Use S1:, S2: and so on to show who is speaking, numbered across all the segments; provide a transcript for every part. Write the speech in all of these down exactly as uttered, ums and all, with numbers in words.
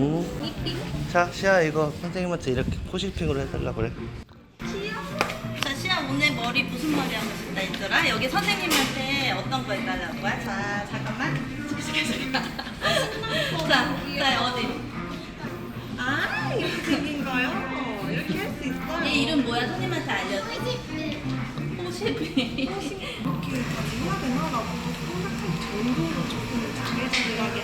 S1: 응. 자, 시아 이거 선생님한테 이렇게 코실핑으로 해달라 그래.
S2: 자, 시아 오늘 머리 무슨 머리 하고 싶다 했더라? 여기 선생님한테 어떤 거 해달라는 거야? 자, 잠깐만. 잠깐, 잠깐. 자, 자, 어디? 아, 이렇게 생긴 거요? 이렇게 할 수 있어요? 얘 이름 뭐야? 선생님한테 알려줘. 호시비.
S3: 이렇게까지 해야 되나? 라고 생각할 정도로 조금 잘해주려게.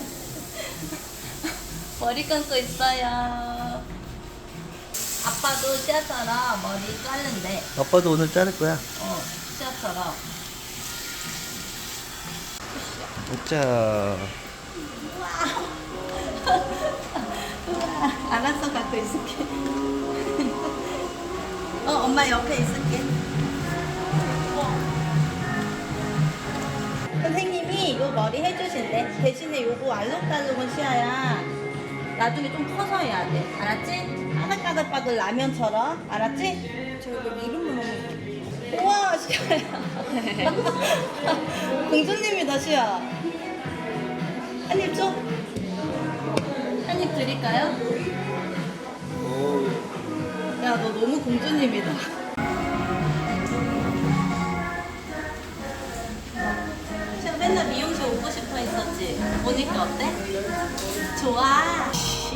S2: 머리 감고 있어요. 아빠도 시아처럼 머리 자른대.
S1: 아빠도 오늘 자를 거야.
S2: 어, 시아처럼.
S1: 자,
S2: 알았어, 갖고 있을게. 어, 엄마 옆에 있을게. 선생님이 이 머리 해주신대. 대신에 요거 알록달록은 시아야. 나중에 좀 커서 해야 돼. 알았지? 까글까글까글 라면처럼. 알았지?
S3: 저 이거 이름만 하면
S2: 우와, 시아야. 공주님이다, 시아. 한입 줘. 한입 드릴까요? 야, 너 너무 공주님이다. 시아 맨날 미용실 오고 싶어 했었지? 오니까 어때? 좋아.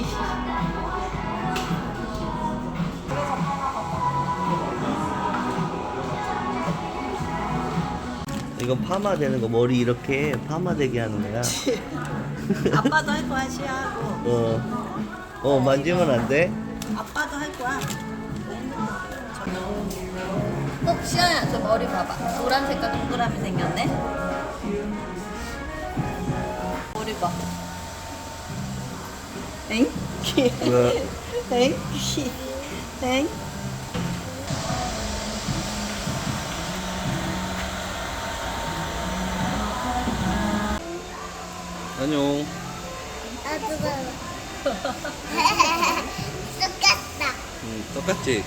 S1: 이건 파마 되는 거. 머리 이렇게 파마 되게 하는 거야.
S2: 아빠도 할 거야, 시아하고.
S1: 어, 어 만지면 안 돼.
S2: 아빠도 할 거야. 어, 시아야, 저 머리 봐봐. 노란 색깔 동그라미 생겼네. 머리 봐. 엥?
S1: 뭐야?
S2: 엥? 엥?
S1: 안녕.
S4: 나도 똑같다.
S1: 응, 똑같지?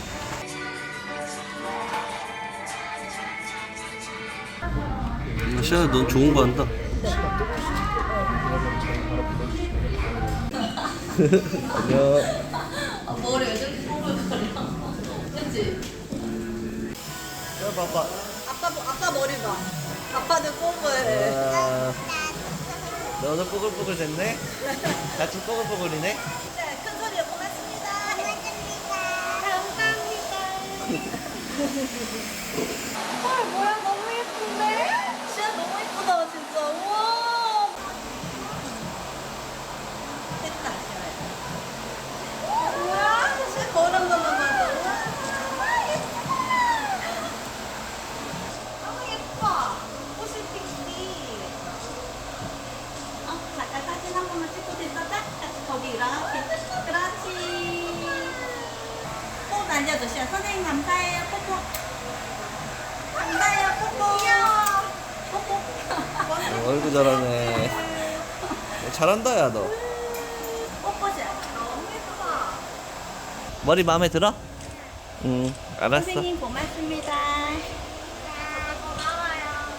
S1: 시아야, 넌 좋은 거 한다. 안녕.
S2: 아, 머리 왜 저렇게 꼬불거려? 그치?
S1: 시아 봐봐.
S2: 아빠, 아빠 머리 봐. 아빠도 꼬불.
S1: 와, 너도 뽀글뽀글 됐네? 같이 뽀글뽀글이네?
S2: 네, 큰 소리로 고맙습니다.
S3: 헐 뭐야 너무 예쁜데?
S2: 시아 너무 예쁘다, 진짜. 우와. 됐다, 시아야. 우와, 시아 거울 한 번만 봐줘. 우와, 예쁘다.
S3: 너무 예뻐. 옷이 픽시.
S2: 어, 잠깐 사진 한 번만 찍고 됐었다? 같이 거기 이렇게. 그렇지. 꼭 날려줘, 시아. 선생님 감사해요. 뽀뽀. 감사해요. 뽀뽀. 귀여워. 뽀뽀.
S1: 어, 아이고 잘하네. 잘한다 야 너.
S2: 뽀뽀시야.
S3: 너무 예뻐.
S1: 머리 마음에 들어? 응, 알았어.
S2: 선생님 고맙습니다.